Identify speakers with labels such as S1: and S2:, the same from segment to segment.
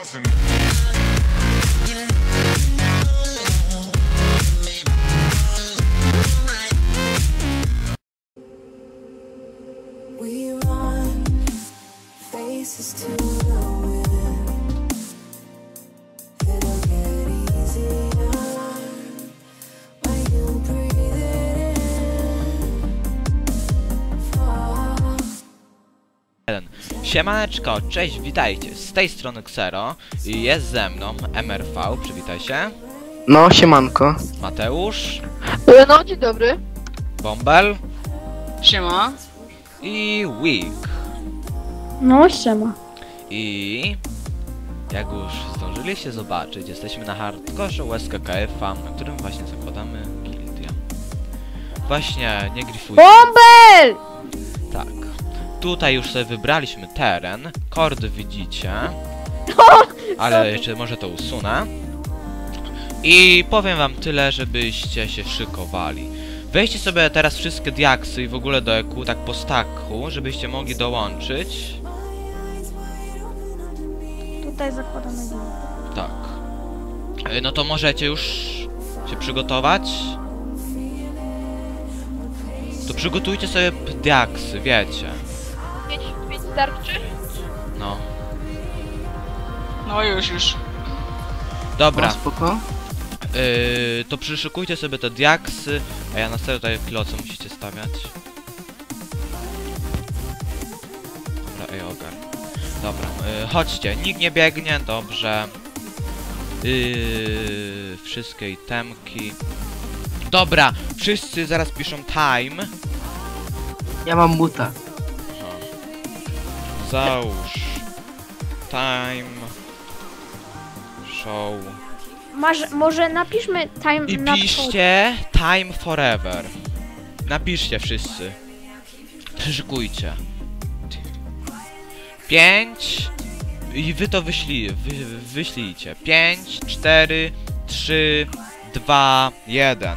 S1: We run faces to the wind. It'll get easier when you breathe it in.
S2: Siemaneczko, cześć, witajcie, z tej strony Xero i jest ze mną MRV, przywitaj się.
S3: No, siemanko.
S2: Mateusz.
S4: No, dzień dobry.
S2: Bąbel.
S4: Siema.
S2: I Week.
S5: No, siema.
S2: I jak już zdążyliście zobaczyć, jesteśmy na hardkorze USKKF-a, na którym właśnie zakładamy gildię. Właśnie, nie grifujcie.
S5: Bąbel!
S2: Tak. Tutaj już sobie wybraliśmy teren, kordy widzicie. Ale jeszcze może to usunę. I powiem wam tyle, żebyście się szykowali. Weźcie sobie teraz wszystkie diaksy i w ogóle do EQ, tak po stacku, żebyście mogli dołączyć.
S5: Tutaj zakładamy gildię.
S2: Tak. No to możecie już się przygotować. To przygotujcie sobie diaksy, wiecie.
S4: 5 starczy?
S2: No.
S4: No już.
S2: Dobra.
S3: No, spoko.
S2: To przyszykujcie sobie te diaksy, a ja nastawię tutaj kiloce musicie stawiać. Dobra, ogar. Dobra, chodźcie, nikt nie biegnie, dobrze. Wszystkie itemki. Dobra, wszyscy zaraz piszą time.
S3: Ja mam muta.
S2: Załóż. Time. Show.
S5: Może napiszmy time
S2: I
S5: na
S2: piszcie time forever. Napiszcie wszyscy. Przyszykujcie. 5 i wy to wyślijcie. 5, 4, 3, 2, 1.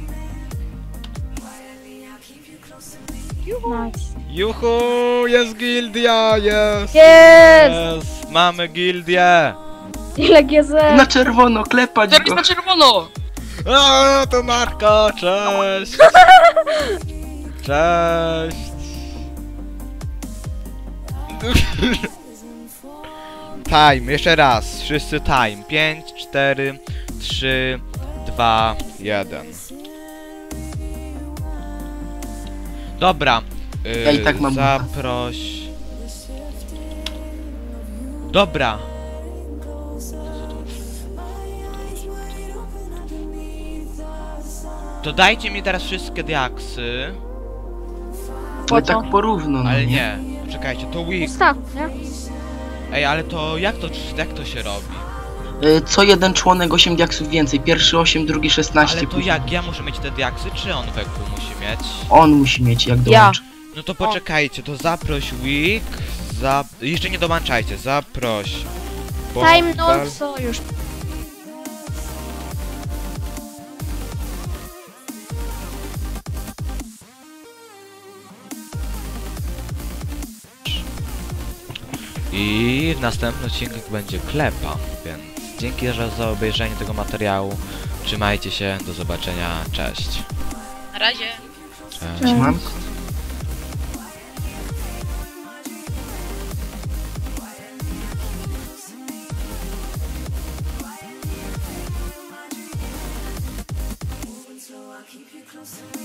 S5: Nice.
S2: Juhu, jest gildia, jest!
S5: Jest!
S2: Mamy gildię!
S5: Ile GZ?
S3: Na czerwono, klepać
S4: Teraz
S3: go.
S4: na czerwono!
S2: A, to Marko, cześć! Cześć! Time, jeszcze raz, wszyscy time. 5, 4, 3, 2, 1. Dobra.
S3: Ja i tak mam
S2: zaproś. Dobra. To dajcie mi teraz wszystkie diaksy.
S3: No tak porówno, no
S2: Ale nie, poczekajcie, to week.
S5: Tak, nie?
S2: Ej, ale to jak to się robi?
S3: Co jeden członek 8 diaksów więcej. Pierwszy 8, drugi 16.
S2: Ale to
S3: później.
S2: jak? Ja muszę mieć te diaksy, czy on weku musi mieć?
S3: On musi mieć, jak dołączy.
S2: No to poczekajcie, to zaproś week. Jeszcze nie dołączajcie, zaproś.
S5: Time
S2: Bąbel.
S5: no sojusz.
S2: I w następnym odcinku będzie klepa, więc dzięki za obejrzenie tego materiału. Trzymajcie się, do zobaczenia, cześć.
S4: Na razie.
S2: Cześć.
S3: Mam?
S1: keep you close to me.